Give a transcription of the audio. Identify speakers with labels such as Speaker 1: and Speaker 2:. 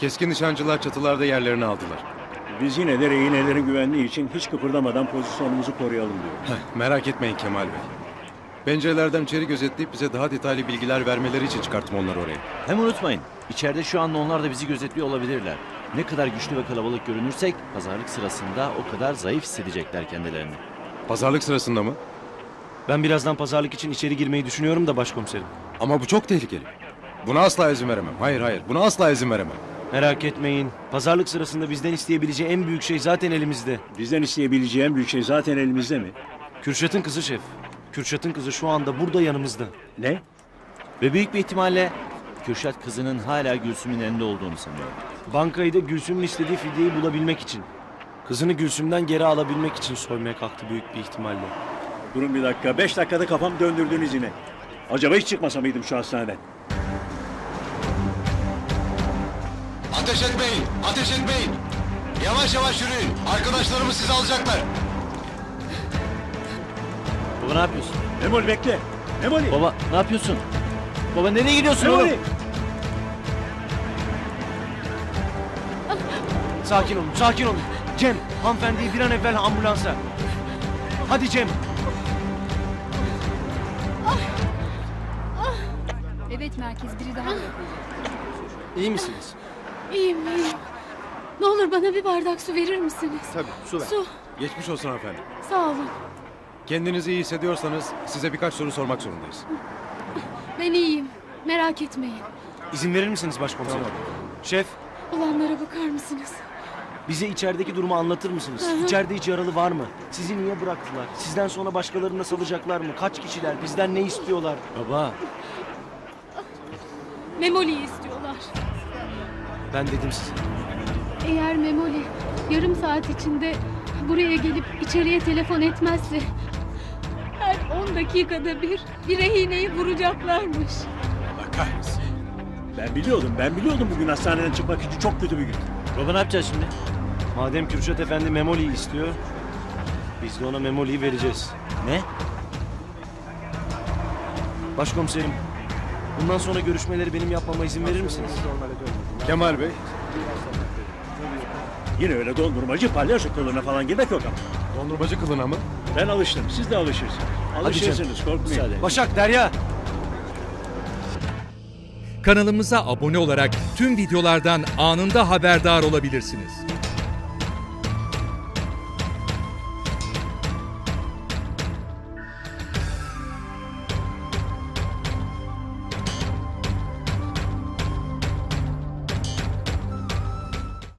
Speaker 1: Keskin nişancılar çatılarda yerlerini aldılar.
Speaker 2: Biz yine de rehinelerin güvenliği için hiç kıpırdamadan pozisyonumuzu koruyalım diyor.
Speaker 1: Merak etmeyin Kemal Bey. Pencerelerden içeri gözetleyip bize daha detaylı bilgiler vermeleri için çıkarttım onları oraya.
Speaker 3: Hem unutmayın, içeride şu anda onlar da bizi gözetliyor olabilirler. Ne kadar güçlü ve kalabalık görünürsek pazarlık sırasında o kadar zayıf hissedecekler kendilerini.
Speaker 1: Pazarlık sırasında mı?
Speaker 4: Ben birazdan pazarlık için içeri girmeyi düşünüyorum da başkomiserim.
Speaker 1: Ama bu çok tehlikeli. Buna asla izin veremem. Hayır, buna asla izin veremem.
Speaker 4: Merak etmeyin. Pazarlık sırasında bizden isteyebileceği en büyük şey zaten elimizde.
Speaker 2: Bizden isteyebileceği en büyük şey zaten elimizde mi?
Speaker 4: Kürşat'ın kızı şef. Kürşat'ın kızı şu anda burada yanımızda.
Speaker 2: Ne?
Speaker 3: Ve büyük bir ihtimalle Kürşat kızının hala Gülsüm'ün elinde olduğunu sanıyor.
Speaker 4: Bankayı da Gülsüm'ün istediği fidyeyi bulabilmek için. Kızını Gülsüm'den geri alabilmek için soymaya kalktı büyük bir ihtimalle.
Speaker 2: Durun bir dakika. 5 dakikada kafam döndürdünüz yine. Acaba hiç çıkmasa mıydım şu hastaneden?
Speaker 1: Ateş etmeyin! Ateş etmeyin! Yavaş yavaş yürüyün. Arkadaşlarımız sizi alacaklar.
Speaker 3: Baba ne yapıyorsun?
Speaker 2: Memoli bekle. Memoli.
Speaker 3: Baba ne yapıyorsun? Baba nereye gidiyorsun
Speaker 2: Memoli.
Speaker 3: oğlum?
Speaker 4: Sakin olun, sakin olun. Cem, hanımefendiyi bir an evvel ambulansa. Hadi Cem.
Speaker 5: Evet merkez biri daha bırakıldı.
Speaker 4: İyi misiniz?
Speaker 5: İyiyim. Ne olur bana bir bardak su verir misiniz?
Speaker 1: Tabii, su ver.
Speaker 5: Su.
Speaker 1: Geçmiş olsun hanımefendi.
Speaker 5: Sağ olun.
Speaker 1: Kendinizi iyi hissediyorsanız size birkaç soru sormak zorundayız.
Speaker 5: Ben iyiyim. Merak etmeyin.
Speaker 4: İzin verir misiniz başkomiserim? Şef,
Speaker 5: Olanlara bakar mısınız?
Speaker 4: bize içerideki durumu anlatır mısınız? İçeride hiç yaralı var mı? Sizi niye bıraktılar? Sizden sonra başkalarını da salacaklar mı? Kaç kişiler? Bizden ne istiyorlar?
Speaker 3: Baba
Speaker 5: Memoli'yi istiyorlar.
Speaker 4: Ben dedim size.
Speaker 5: Eğer Memoli yarım saat içinde buraya gelip içeriye telefon etmezse her 10 dakikada bir rehineyi vuracaklarmış.
Speaker 1: Allah kahretsin.
Speaker 2: Ben biliyordum bugün hastaneden çıkmak için çok kötü bir gün.
Speaker 3: baba ne yapacağız şimdi?
Speaker 4: Madem Kürşat Efendi Memoli'yi istiyor, biz de ona Memoli'yi vereceğiz.
Speaker 3: Ne?
Speaker 4: Başkomiserim, bundan sonra görüşmeleri benim yapmama izin verir misiniz?
Speaker 1: Kemal Bey,
Speaker 2: Yine öyle dondurmacı palyaço kılığına falan girmek yok ama.
Speaker 1: dondurmacı kılına mı?
Speaker 2: Ben alıştım. Siz de alışırsınız. Alışırsınız. Korkmayın.
Speaker 3: Müsaade.
Speaker 4: Başak, Derya!
Speaker 6: Kanalımıza abone olarak tüm videolardan anında haberdar olabilirsiniz.